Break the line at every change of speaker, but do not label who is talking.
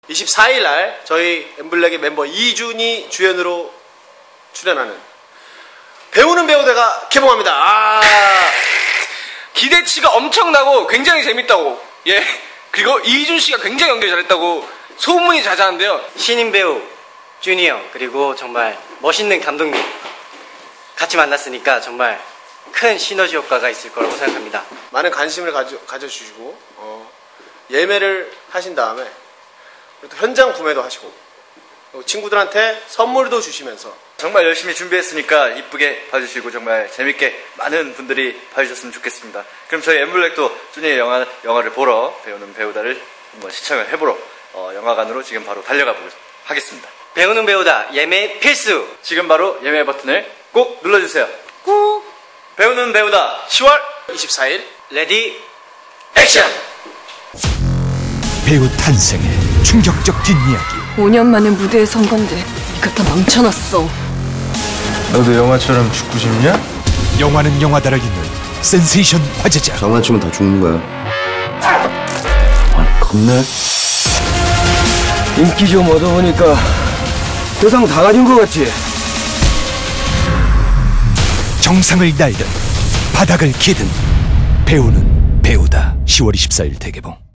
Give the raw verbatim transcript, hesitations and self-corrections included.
이십사 일 날 저희 엠블랙의 멤버 이준이 주연으로 출연하는 배우는 배우대가 개봉합니다. 아
기대치가 엄청나고 굉장히 재밌다고. 예. 그리고 이준 씨가 굉장히 연기 잘했다고 소문이 자자한데요.
신인 배우 준이 형 그리고 정말 멋있는 감독님 같이 만났으니까 정말 큰 시너지 효과가 있을 거라고 생각합니다.
많은 관심을 가져, 가져주시고 어, 예매를 하신 다음에 또 현장 구매도 하시고 그리고 친구들한테 선물도 주시면서
정말 열심히 준비했으니까 이쁘게 봐주시고 정말 재밌게 많은 분들이 봐주셨으면 좋겠습니다. 그럼 저희 엠블랙도 준이의 영화, 영화를 보러 배우는 배우다를 한번 시청을 해보러 어, 영화관으로 지금 바로 달려가 보겠 하겠습니다.
배우는 배우다 예매 필수.
지금 바로 예매 버튼을 꼭 눌러주세요. 꾹. 배우는 배우다 시월
이십사 일
레디
액션.
배우 탄생의 충격적 뒷이야기.
오 년 만에 무대에 선 건데 이거 다 망쳐놨어.
너도 영화처럼 죽고 싶냐?
영화는 영화다를 잇는 센세이션 화제작.
장난치면 다 죽는 거야.
아, 겁내? 인기 좀 얻어보니까 세상 다 가진 거 같지?
정상을 날든 바닥을 기든 배우는 배우다. 시월 이십사 일 대개봉.